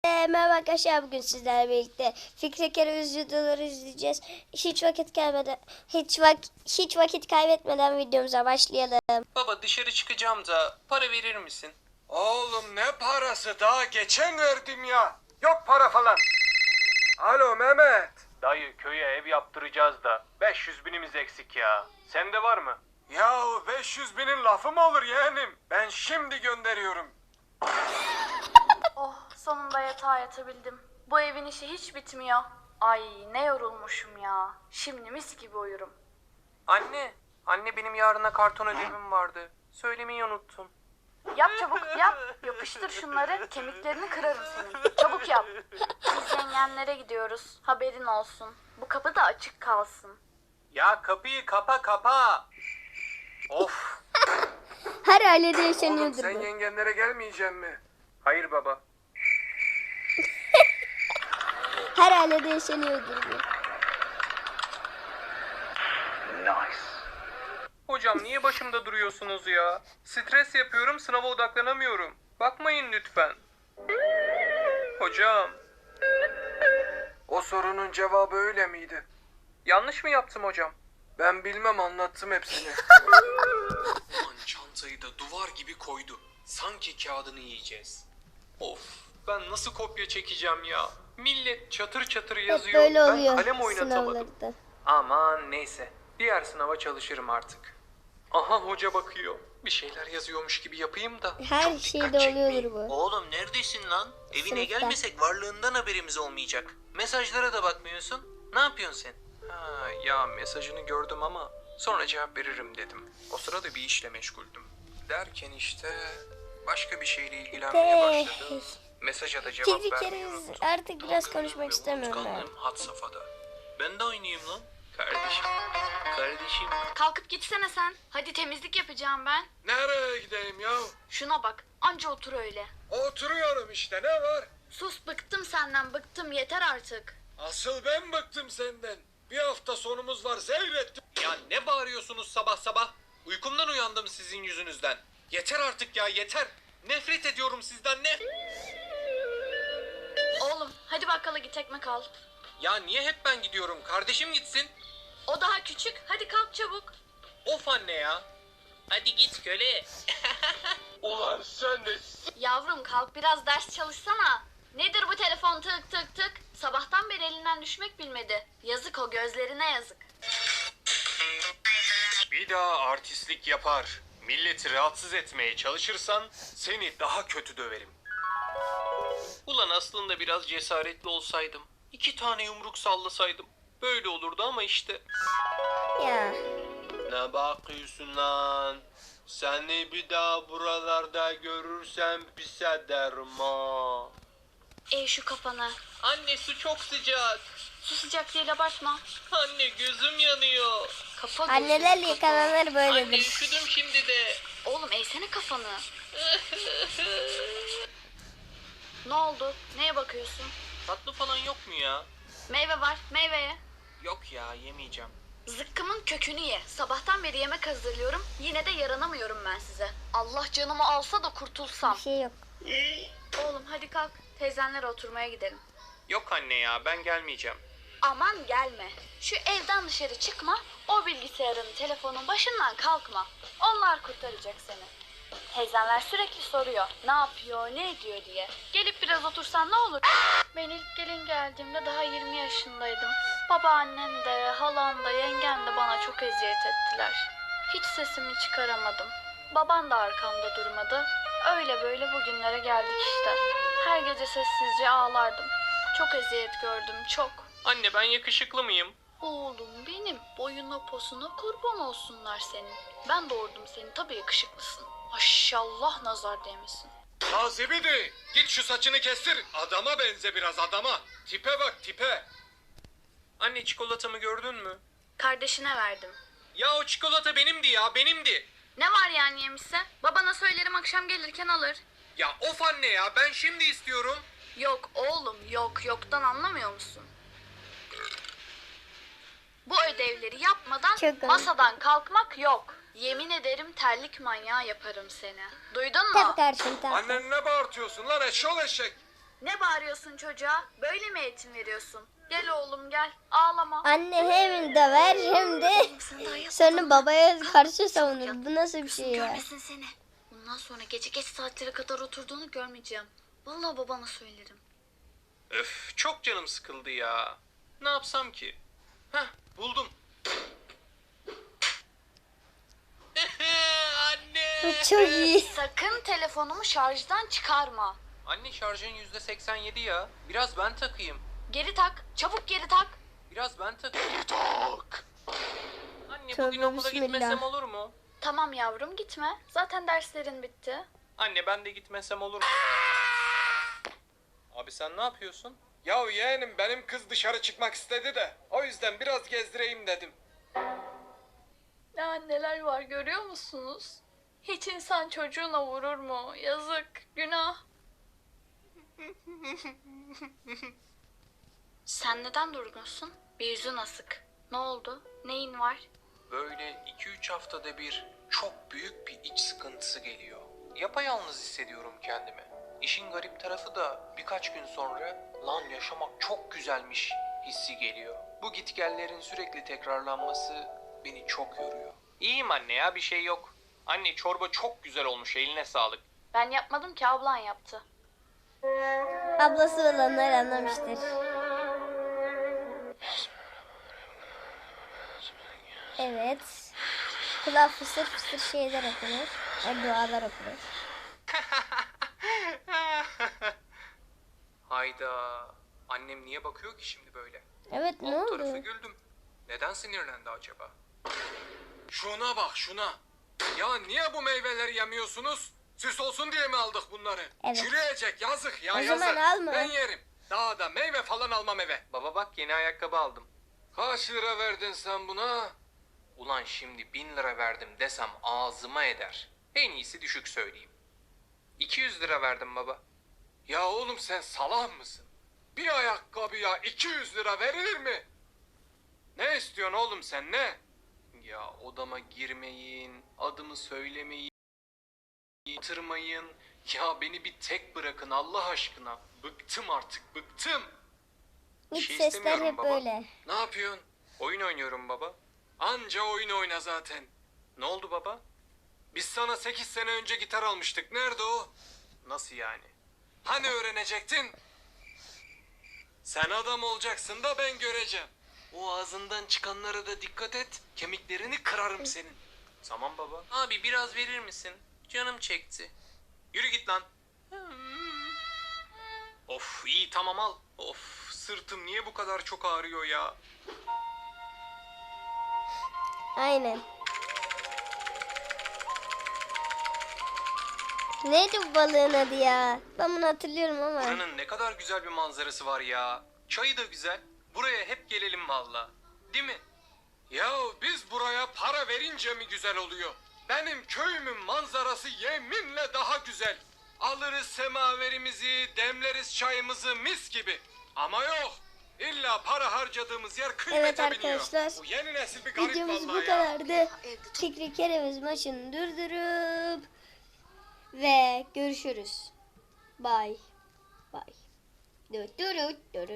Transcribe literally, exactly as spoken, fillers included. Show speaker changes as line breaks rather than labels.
Merhaba arkadaşlar, bugün sizlerle birlikte Fikri Kere videoları izleyeceğiz. Hiç vakit kaybeden hiç vak hiç vakit kaybetmeden videomuza başlayalım.
Baba dışarı çıkacağım da para verir misin?
Oğlum ne parası, daha geçen verdim ya. Yok para falan. Alo Mehmet.
Dayı köye ev yaptıracağız da beş yüz binimiz eksik ya. Sende var mı?
Yahu beş yüz binin lafı mı olur yeğenim? Ben şimdi gönderiyorum.
Oh, sonunda yatağa yatabildim. Bu evin işi hiç bitmiyor. Ay ne yorulmuşum ya. Şimdi mis gibi uyurum.
Anne, anne benim yarına karton ödevim vardı. Söylemeyi unuttum.
Yap çabuk yap. Yapıştır şunları, kemiklerini kırarım senin. Çabuk yap. Biz yengenlere gidiyoruz. Haberin olsun. Bu kapı da açık kalsın.
Ya kapıyı kapa kapa. Of.
Her ailede
Oğlum
yaşanıyordur
sen
bu.
yengenlere gelmeyeceksin mi?
Hayır baba.
Her ailede yaşanıyordur bu.
Hocam niye başımda duruyorsunuz ya? Stres yapıyorum, sınava odaklanamıyorum. Bakmayın lütfen. Hocam,
O sorunun cevabı öyle miydi?
yanlış mı yaptım hocam?
Ben bilmem, anlattım hepsini.
Aman çantayı da duvar gibi koydu. Sanki kağıdını yiyeceğiz. Of, ben nasıl kopya çekeceğim ya? Millet çatır çatır
Hep
yazıyor.
böyle
Ben
oluyor
kalem oynatamadım.
sınavlarda.
Aman neyse. Diğer sınava çalışırım artık. Aha hoca bakıyor. Bir şeyler yazıyormuş gibi yapayım da.
Her
çok
şeyde
dikkat
oluyordur
çekmeyeyim.
bu.
Oğlum neredesin lan? Evine
Sınıfta.
gelmesek varlığından haberimiz olmayacak. Mesajlara da bakmıyorsun. Ne yapıyorsun sen?
Ha, ya mesajını gördüm ama sonra cevap veririm dedim. O sırada bir işle meşguldüm. Derken işte başka bir şeyle ilgilenmeye başladım. Mesaja da cevap
Fikri
vermeyi
Kere
unuttum.
artık biraz
Dalgınlığım
konuşmak
ve
istemiyorum ben.
unutkanlığım had safhada.
Ben de oynayayım lan.
Kardeşim,
Kardeşim.
Kalkıp gitsene sen. Hadi temizlik yapacağım ben.
Nereye gideyim ya?
Şuna bak. Anca otur öyle.
Oturuyorum işte, ne var?
Sus, bıktım senden, bıktım, yeter artık.
Asıl ben bıktım senden. Bir hafta sonumuz var, seyrettim.
ya ne bağırıyorsunuz sabah sabah? Uykumdan uyandım sizin yüzünüzden. Yeter artık ya, yeter. Nefret ediyorum sizden, ne?
Oğlum hadi bakkala git, ekmek al.
Ya niye hep ben gidiyorum? Kardeşim gitsin.
O daha küçük, hadi kalk çabuk.
Of anne ya.
Hadi git köle.
Ulan sen de...
Yavrum kalk biraz ders çalışsana. Nedir bu telefon tık tık tık? Sabahtan beri elinden düşmek bilmedi. Yazık, o gözlerine yazık.
Bir daha artistlik yapar, milleti rahatsız etmeye çalışırsan seni daha kötü döverim. Ulan aslında biraz cesaretli olsaydım, iki tane yumruk sallasaydım böyle olurdu ama işte.
Ya
Ne bakıyorsun lan? Seni bir daha buralarda görürsem pis ederim ha.
Ey şu kafanı.
Anne su çok sıcak.
Su sıcak değil, abartma.
Anne gözüm yanıyor.
Kafa
anneler
gözü, kafa.
yıkananlar
Anne
böyledir.
üşüdüm şimdi de.
Oğlum eğsene kafanı. Ne oldu? Neye bakıyorsun?
Tatlı falan yok mu ya?
Meyve var, meyveye.
Yok ya, yemeyeceğim.
Zıkkımın kökünü ye. Sabahtan beri yemek hazırlıyorum. Yine de yaranamıyorum ben size. Allah canımı alsa da kurtulsam.
Bir şey yok.
Oğlum hadi kalk. Teyzenlere oturmaya gidelim.
Yok anne ya, ben gelmeyeceğim.
Aman gelme. Şu evden dışarı çıkma. O bilgisayarın, telefonun başından kalkma. Onlar kurtaracak seni. Teyzenler sürekli soruyor. Ne yapıyor, ne ediyor diye. Gelip biraz otursan ne olur? Ben ilk gelin geldiğimde daha yirmi yaşındaydım. Babaannem de, halam da, yengem de bana çok eziyet ettiler. Hiç sesimi çıkaramadım. Baban da arkamda durmadı. Öyle böyle bugünlere geldik işte. Her gece sessizce ağlardım. Çok eziyet gördüm, çok.
Anne ben yakışıklı mıyım?
Oğlum benim, boyuna posuna kurban olsunlar senin. Ben doğurdum seni, tabii yakışıklısın. Maşallah, nazar değmesin.
Tazibidi, git şu saçını kestir. Adama benze biraz, adama. Tipe bak, tipe.
Anne çikolatamı gördün mü?
Kardeşine verdim.
Ya o çikolata benimdi ya, benimdi.
Ne var yani yemişse? Babana söylerim, akşam gelirken alır.
Ya of anne ya, ben şimdi istiyorum.
Yok oğlum, yok, yoktan anlamıyor musun? Bu ödevleri yapmadan
Çok ayıp.
masadan kalkmak yok. Yemin ederim terlik manyağı yaparım seni. Duydun mu?
Tabii kardeşim, tabii.
Annen ne bağırtıyorsun lan, eşşoğlu eşek?
Ne bağırıyorsun çocuğa? Böyle mi eğitim veriyorsun? Gel oğlum gel. Ağlama.
Anne hem döver hem de sonra babaya karşı savunur. Bu nasıl bir şey ya?
Görmesin seni. Bundan sonra gece geç saatlere kadar oturduğunu görmeyeceğim. Vallahi babana söylerim.
Öf, çok canım sıkıldı ya. Ne yapsam ki? Heh, buldum. Anne!
Çok iyi.
Sakın telefonumu şarjdan çıkarma.
Anne şarjın yüzde seksen yedi ya. Biraz ben takayım.
Geri tak. Çabuk geri tak.
Biraz ben takayım. Anne
Tövbe
bugün okula
bismillah.
gitmesem olur mu?
Tamam yavrum gitme. Zaten derslerin bitti.
Anne ben de gitmesem olur mu? Abi sen ne yapıyorsun?
Ya yeğenim benim kız dışarı çıkmak istedi de o yüzden biraz gezdireyim dedim.
Ya neler var görüyor musunuz? Hiç insan çocuğuna vurur mu? Yazık, günah. Sen neden durgunsun? Bir yüzün asık. Ne oldu? Neyin var?
Böyle iki üç haftada bir çok büyük bir iç sıkıntısı geliyor. Yapayalnız hissediyorum kendimi. İşin garip tarafı da birkaç gün sonra lan yaşamak çok güzelmiş hissi geliyor. Bu gitgellerin sürekli tekrarlanması beni çok yoruyor.
İyiyim anne ya, bir şey yok. Anne çorba çok güzel olmuş, eline sağlık.
Ben yapmadım ki ablan yaptı.
Ablası olanlar anlamıştır. Evet. Kulağa fısır fısır şeyler okunur. Yani dualar okunur.
Hayda. Annem niye bakıyor ki şimdi böyle?
Evet, ne
Alt tarafı
oldu?
güldüm. Neden sinirlendi acaba?
Şuna bak şuna. Ya niye bu meyveleri yemiyorsunuz? Süs olsun diye mi aldık bunları?
Evet.
Çürüyecek yazık ya
O
yazık.
zaman alma.
Ben yerim. Daha da meyve falan almam eve.
Baba bak yeni ayakkabı aldım.
Kaç lira verdin sen buna?
Ulan şimdi bin lira verdim desem ağzıma eder. En iyisi düşük söyleyeyim. iki yüz lira verdim baba.
Ya oğlum sen salak mısın? Bir ayakkabıya iki yüz lira verilir mi? Ne istiyorsun oğlum sen ne?
Ya odama girmeyin, adımı söylemeyin, yatırmayın. Ya beni bir tek bırakın Allah aşkına. Bıktım artık, bıktım. Bir
İç
şey
sesler
istemiyorum
hep
baba.
böyle.
Ne yapıyorsun?
Oyun oynuyorum baba.
Anca oyun oyna zaten.
Ne oldu baba?
Biz sana sekiz sene önce gitar almıştık. Nerede o?
Nasıl yani?
Hani öğrenecektin? Sen adam olacaksın da ben göreceğim. O ağzından çıkanlara da dikkat et. Kemiklerini kırarım senin.
Tamam baba. Abi biraz verir misin? Canım çekti.
Yürü git lan.
Of iyi, tamam al. Of, sırtım niye bu kadar çok ağrıyor ya?
Aynen. Neydi bu balığın adı ya? Ben bunu hatırlıyorum ama.
Buranın ne kadar güzel bir manzarası var ya. Çayı da güzel. Buraya hep gelelim valla. Değil mi?
Ya biz buraya para verince mi güzel oluyor? Benim köyümün manzarası yeminle daha güzel. Alırız semaverimizi, demleriz çayımızı mis gibi. Ama yok. İlla para harcadığımız yer kıymete
Evet
biniyor.
arkadaşlar,
Bu yeni nesil bir garip
videomuz bu
vallahi ya.
kadardı. Fikri Keremiz maçını durdurup ve görüşürüz. Bye. Bye. Dur dur dur dur.